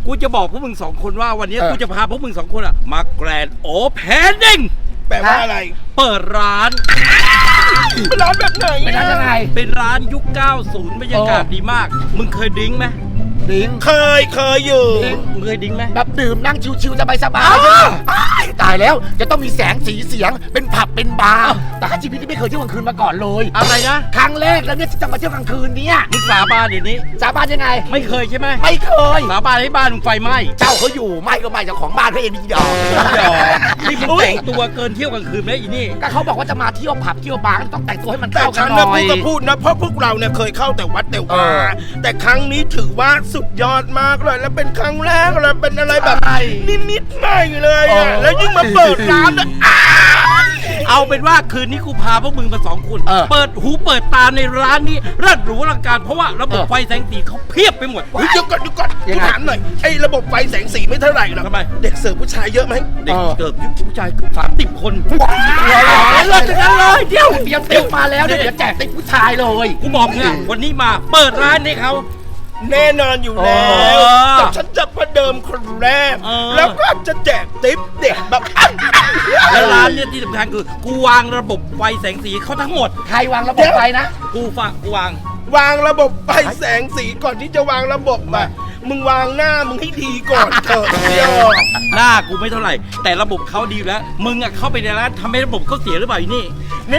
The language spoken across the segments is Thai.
กูจะบอกพวกมึง2 คนว่าวันนี้กูจะพาพวกมึง2 คนอะมาแกรนด์โอเพนนิ่งแปลว่าอะไรเปิดร้านเป็นร้านแบบไหนเป็นร้านยังไงเป็นร้านยุค 90 บรรยากาศดีมากมึงเคยดิ้งไหมดิ้งเคยอยู่มึงเคยดิ้งไหมแบบดื่มนั่งชิวๆสบายๆใช่ไหมตายแล้วจะต้องมีแสงสีเสียงเป็นผับเป็นบาร์แต่ชีวิตที่ไม่เคยเที่ยวกลางคืนมาก่อนเลยอะไรนะครั้งแรกแล้วเนี่ยที่จะมาเที่ยวกลางคืนเนี่ยมึงสาบานเดี๋ยวนี้สาบานยังไงไม่เคยใช่ไหมไม่เคยสาบานให้บ้านมึงไฟไหม้เจ้าเขาอยู่ไม่ก็ไม่เจ้าของบ้านเขาเองดีดอกนี่มึงแต่งตัวเกินเที่ยวกลางคืนไหมอีนี่ก็เขาบอกว่าจะมาเที่ยวผับเที่ยวบาร์ก็ต้องแต่งตัวให้มันเข้ากันหน่อยแต่ฉันนะพูดนะเพราะพวกเราเนี่ยเคยเข้าแต่วัดแต่วาแต่ครั้งนี้ถือว่าสุดยอดมากเลยแล้วเป็นครั้งแรกเลยเป็นอะไรแบบนิดๆใหม่เลยอ่ะแล้วยิ่งมาเปิดร้านอ่ะเอาเป็นว่าคืนนี้กูพาพวกมึงมา2 คนเปิดหูเปิดตาในร้านนี้เลิศหรูอลังการเพราะว่าระบบไฟแสงสีเขาเพียบไปหมดเดี๋ยวก่อนกูถามหน่อยไอ้ระบบไฟแสงสีไม่เท่าไหร่หรอกทำไมเด็กเสิร์ฟผู้ชายเยอะไหมเด็กเสิร์ฟยุคผู้ชาย30 คนเลิศจังเลยเดี๋ยวติ๊กมาแล้วเดี๋ยวแจกติ๊กผู้ชายเลยกูบอกเนี่ยวันนี้มาเปิดร้านให้เขาแน่นอนอยู่แล้วแต่ฉันจะประเดิมคนแรกแล้วก็จะแจกติ๊บเด็กแบบแล้วร้านเนี่ยที่สำคัญคือกูวางระบบไฟแสงสีเขาทั้งหมดใครวางระบบไฟนะกูวางระบบไฟแสงสีก่อนที่จะวางระบบอะมึงวางหน้ามึงให้ดีก่อนเถอะหน้ากูไม่เท่าไหร่แต่ระบบเขาดีแล้วมึงอะเข้าไปในร้านทำให้ระบบเขาเสียหรือเปล่าอีนี่นี่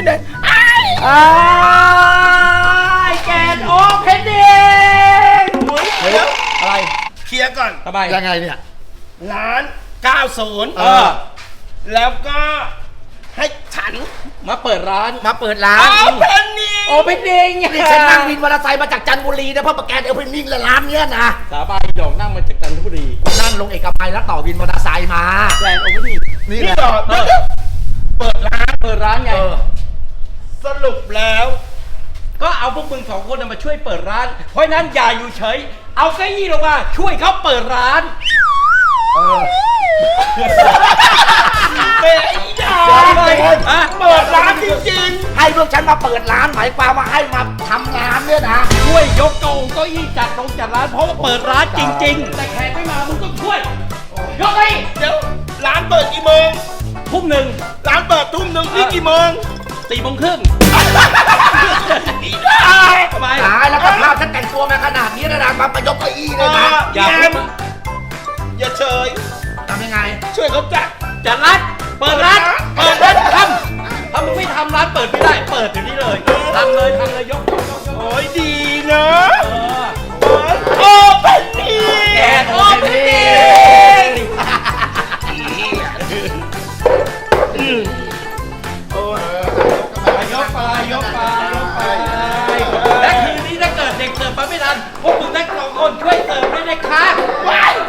แกนโอเพนนิ่งอะไรเคลียร์ก่อนทำไมยังไงเนี่ยร้าน90แล้วก็ให้ฉันมาเปิดร้านโอเพนนิ่งนี่ฉันนั่งวินมอเตอร์ไซค์มาจากจันทบุรีนะเพราะแกนโอเพนนิ่งร้านเนี้ยนะสาบานดอกนั่งมาจากจันทบุรีนั่งลงเอกมัยแล้วต่อวินมอเตอร์ไซค์มาแกรนด์โอเพนนิ่งนี่แหละเปิดร้านไงสรุปแล้วก็เอาพวกมึง2 คนมาช่วยเปิดร้านเพราะนั้นอย่าอยู่เฉยเอาเก้าอี้ลงมาช่วยเขาเปิดร้านเป็นเปิดร้านจริงๆให้พวกฉันมาเปิดร้านหมายความว่าให้มาทำงานเนี่ยนะช่วยยกเก้าอี้จัดร้านเพราะว่าเปิดร้านจริงๆแต่แขกไม่มามึงต้องช่วยยกให้เดี๋ยวร้านเปิดกี่โมง 1:00 ร้านเปิด1:00นี่กี่โมง 4:30 ทำไมตายแล้วกับภาพฉันแต่งตัวมาขนาดนี้นะนางมายกเก้าอี้เลยนะอย่าเฉยทำยังไงช่วยเขาจัดร้านเปิดร้านทำถ้ามึงไม่ทำร้านเปิดไม่ได้เปิดเดี๋ยวนี้เลยทำเลยยกโอ้ยดีนะโอเพนนิ่งแกนโอเพนนิ่งยกไปและคืนนี้ถ้าเกิดเด็กเสิร์ฟมาไม่ทันพวกมึงทั้ง2 คนช่วยเสิร์ฟด้วยนะคะ